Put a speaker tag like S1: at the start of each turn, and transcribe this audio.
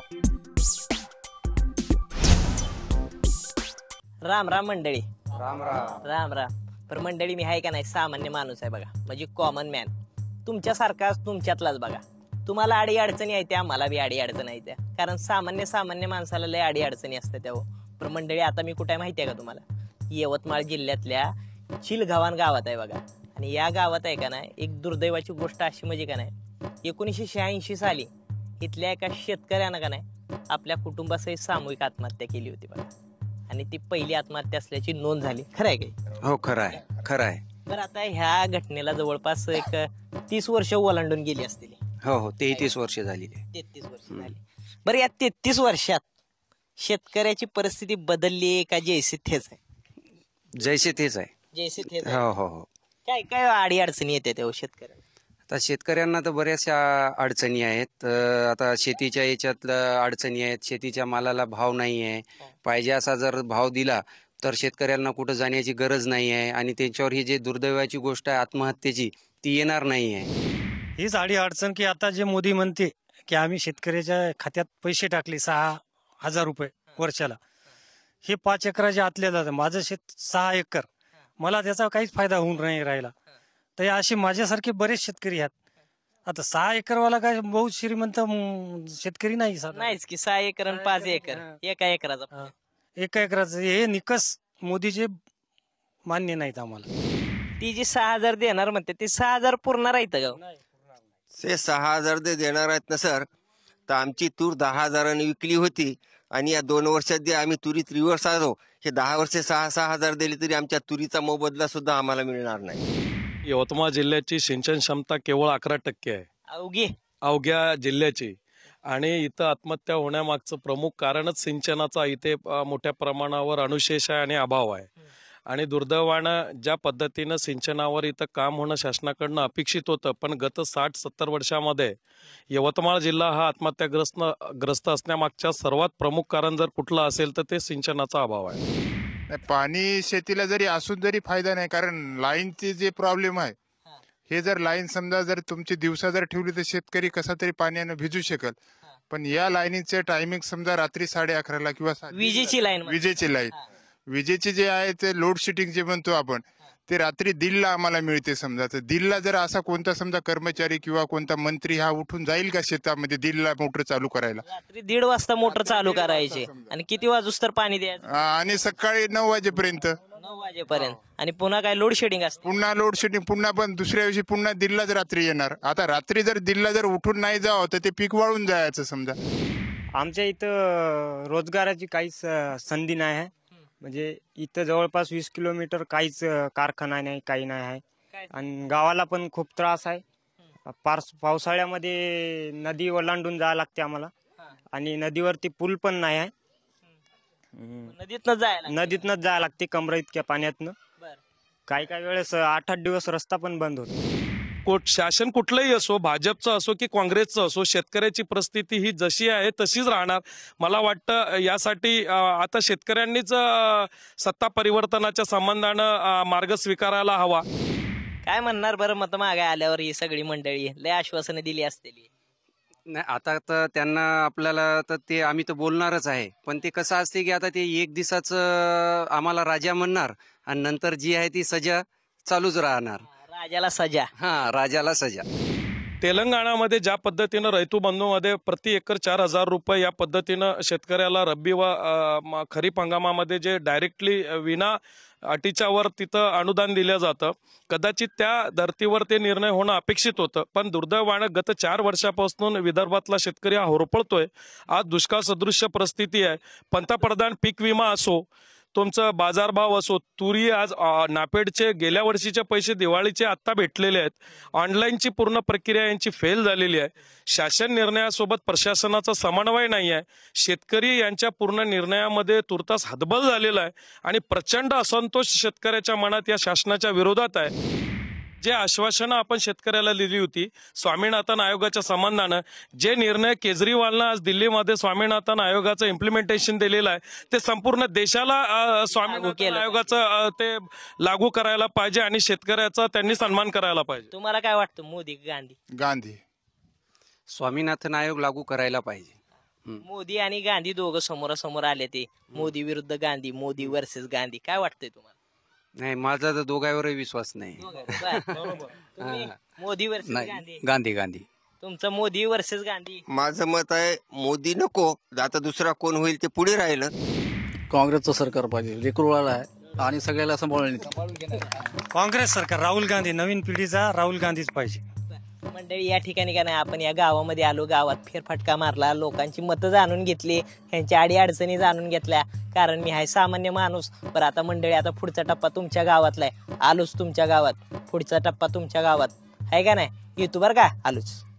S1: राम राम मंडळी.
S2: राम राम.
S1: राम राम. पण मंडळी, मी आहे का नाही सामान्य माणूस आहे बघा, म्हणजे कॉमन मॅन, तुमच्यासारखाच तुमच्यातलाच बघा. तुम्हाला अडी अडचणी आहे त्या, मला बी अडी अडचण आहे त्या, कारण सामान्य माणसाला लय अडी अडचणी असतात त्या. पण मंडळी, आता मी कुठे माहिती आहे का तुम्हाला? यवतमाळ जिल्ह्यातल्या चिलगावान गावात आहे बघा. आणि या गावात आहे का नाही एक दुर्दैवाची गोष्ट अशी म्हणजे का नाही, 1986 साली इथल्या एका शेतकऱ्यानं का नाही आपल्या कुटुंबासहित सामूहिक आत्महत्या केली होती बघा. आणि ती पहिली आत्महत्या असल्याची नोंद झाली. खरं आहे काही?
S2: हो, खरं आहे, खरं आहे.
S1: तर आता ह्या घटनेला जवळपास एक 30 वर्ष ओलांडून गेली असतील.
S2: हो हो, 33 वर्ष झाली.
S1: 33 वर्ष झाली. बरं, या 33 वर्षात शेतकऱ्याची परिस्थिती बदलली का जैसे तेच आहे?
S2: जैसे तेच आहे.
S1: जैसे तेच.
S2: हो हो हो.
S1: काय काय अडी अडचणी येते त्या शेतकऱ्याला?
S2: आता शेतकऱ्यांना तर बऱ्याचशा अडचणी आहेत. आता शेतीच्या याच्यात अडचणी आहेत. शेतीच्या मालाला भाव नाही आहे. पाहिजे असा जर भाव दिला तर शेतकऱ्यांना कुठं जाण्याची गरज नाही आहे. आणि त्यांच्यावर ही जी दुर्दैवाची गोष्ट आहे आत्महत्येची, ती येणार नाही आहे.
S3: हीच आडी अडचण की आता जे मोदी म्हणते की आम्ही शेतकऱ्याच्या खात्यात पैसे टाकले 6,000 रुपये वर्षाला, हे 5 एकराच्या आतल्या जातं. माझं शेत 6 एकर, मला त्याचा काहीच फायदा होऊन नाही राहिला. तर असे माझ्यासारखे बरेच शेतकरी आहेत. आता 6 एकरवाला काय बहुत श्रीमंत शेतकरी नाही.
S1: नाहीच की 6 एकर आणि 5 एकर एका एकराचा.
S3: एका एकराचं हे निकस मोदीचे मान्य नाहीत आम्हाला.
S1: ती जी 6,000 देणार म्हणते ते 6,000 पुरणार आहेत का?
S4: ते 6,000 देणार आहेत ना सर. तर आमची तूर 10,000 विकली होती आणि या 2 वर्षात जे आम्ही तुरीत रिव्हर्स आलो, हे 10 वर्षे 6,000 दिले तरी आमच्या तुरीचा मोबदला सुद्धा आम्हाला मिळणार नाही.
S5: यवतमाळ जिल्ह्याची सिंचन क्षमता केवळ 11% आहे अवघ्या जिल्ह्याची. आणि इथं आत्महत्या होण्यामागचं प्रमुख कारणच सिंचनाचा इथे मोठ्या प्रमाणावर अनुशेष आहे आणि अभाव आहे. आणि दुर्दैवानं ज्या पद्धतीनं सिंचनावर इथं काम होणं शासनाकडनं अपेक्षित होतं, पण गत 60-70 वर्षामध्ये यवतमाळ जिल्हा हा आत्महत्याग्रस्त असण्यामागच्या सर्वात प्रमुख कारण जर कुठलं असेल तर ते सिंचनाचा अभाव आहे.
S6: पाणी शेतीला जरी असून जरी फायदा नाही, कारण लाईनचे जे प्रॉब्लेम आहे, हे जर लाईन समजा जर तुमची दिवसा जर ठेवली तर शेतकरी कसा तरी पाण्यानं भिजू शकेल. पण या लाईनीचे टायमिंग समजा रात्री 11:30 किंवा
S1: विजेची लाईन
S6: विजेचे जे आहे ते लोड शेडिंग जे म्हणतो आपण, ते रात्री 1:30 आम्हाला मिळते. समजा तर 1:30 जर असा कोणता समजा कर्मचारी किंवा कोणता मंत्री हा उठून जाईल का शेतामध्ये 1:30 मोटर चालू करायला?
S1: रात्री 1:30 वाजता मोटर चालू करायची आणि किती वाजूस तर पाणी द्यायचं?
S6: आणि सकाळी 9 वाजेपर्यंत.
S1: 9 वाजेपर्यंत. आणि पुन्हा काय लोड शेडिंग असते?
S6: पुन्हा लोड शेडिंग, पुन्हा पण दुसऱ्या दिवशी पुन्हा 1:30 रात्री येणार. आता रात्री जर 1:30 जर उठून नाही जावं तर ते पीक वाळून जायचं समजा.
S7: आमच्या इथं रोजगाराची काहीच संधी नाही आहे. म्हणजे इथं जवळपास 20 किलोमीटर काहीच कारखाना नाही, काही नाही आहे. आणि गावाला पण खूप त्रास आहे. पावसाळ्यामध्ये नदी ओलांडून जावं लागते आम्हाला. आणि नदीवरती पूल पण नाही आहे. नदीतनंच जायला लागते कमरा इतक्या पाण्यातनं. काही वेळेस 8-8 दिवस रस्ता पण बंद होतो.
S5: शासन कुठलंही असो, भाजपचं असो की काँग्रेसचं असो, शेतकऱ्याची परिस्थिती ही जशी आहे तशीच राहणार. मला वाटतं यासाठी आता शेतकऱ्यांनीच सत्ता परिवर्तनाच्या संबंधानं मार्ग स्वीकारायला हवा.
S1: काय म्हणणार बरं मत मागे आल्यावर ही सगळी मंडळी लय आश्वासनं दिली असतील?
S2: नाही, आता तर त्यांना आपल्याला तर ते आम्ही तर बोलणारच आहे. पण ते कसं असते की आता ते 1 दिवसाचं आम्हाला राजा म्हणणार आणि नंतर जी आहे ती सजा चालूच राहणार.
S1: राजाला सजा.
S2: राजाला सजा.
S5: तेलंगणामध्ये ज्या पद्धतीनं रैतू बंधूमध्ये प्रति एकर 4,000 रुपये या पद्धतीनं शेतकऱ्याला रब्बी व खरीप हंगामामध्ये जे डायरेक्टली विना अटीच्या वर तिथं अनुदान दिलं जातं, कदाचित त्या धर्तीवर ते निर्णय होणं अपेक्षित होतं. पण दुर्दैवानं गत 4 वर्षापासून विदर्भातला शेतकरी हा होरपळतोय. आज दुष्काळ सदृश्य परिस्थिती आहे. पंतप्रधान पीक विमा असो, तुमचं बाजारभाव असो, तुरी आज नापेडचे गेल्या वर्षीचे पैसे दिवाळीचे आत्ता भेटलेले आहेत. ऑनलाईनची पूर्ण प्रक्रिया यांची फेल झालेली आहे. शासन निर्णयासोबत प्रशासनाचा समन्वय नाही आहे. शेतकरी यांच्या पूर्ण निर्णयामध्ये तुर्तास हतबल झालेला आहे आणि प्रचंड असंतोष शेतकऱ्याच्या मनात या शासनाच्या विरोधात आहे. जे आश्वासनं आपण शेतकऱ्याला दिली होती स्वामीनाथन आयोगाच्या संबंधानं, जे निर्णय केजरीवालनं आज दिल्लीमध्ये स्वामीनाथन आयोगाचं इम्प्लिमेंटेशन दिलेलं आहे, ते संपूर्ण देशाला स्वामीनाथन आयोगाचं ते लागू करायला पाहिजे आणि शेतकऱ्याचा त्यांनी सन्मान करायला पाहिजे.
S1: तुम्हाला काय वाटतं? मोदी गांधी?
S6: गांधी.
S2: स्वामीनाथन आयोग लागू करायला पाहिजे.
S1: मोदी आणि गांधी दोघं समोरासमोर आले ते मोदी विरुद्ध गांधी, मोदी वर्सेस गांधी. काय वाटतंय तुम्हाला?
S2: नाही, माझा तर दोघांवरही विश्वास नाही.
S1: तुम्ही मोदी वर्सेस गांधी,
S2: गांधी गांधी
S1: तुमचं मोदी वर्सेस गांधी.
S4: माझं मत आहे मोदी नको, आता दुसरा कोण होईल ते पुढे राहिलं.
S8: काँग्रेसचं सरकार पाहिजे, लेकरूळाला आहे आणि सगळ्याला सांभाळून.
S3: काँग्रेस सरकार, राहुल गांधी, नवीन पिढीचा राहुल गांधीच पाहिजे.
S1: मंडळी, या ठिकाणी का नाही आपण या गावामध्ये आलो, गावात फेरफटका मारला, लोकांची मतं जाणून घेतली, ह्यांच्या अडी अडचणी जाणून घेतल्या. कारण मी आहे सामान्य माणूस. बरं आता मंडळी, आता पुढचा टप्पा तुमच्या गावातला आहे. आलोच तुमच्या गावात, पुढचा टप्पा तुमच्या गावात आहे का नाही? येतो बरं का, आलोच.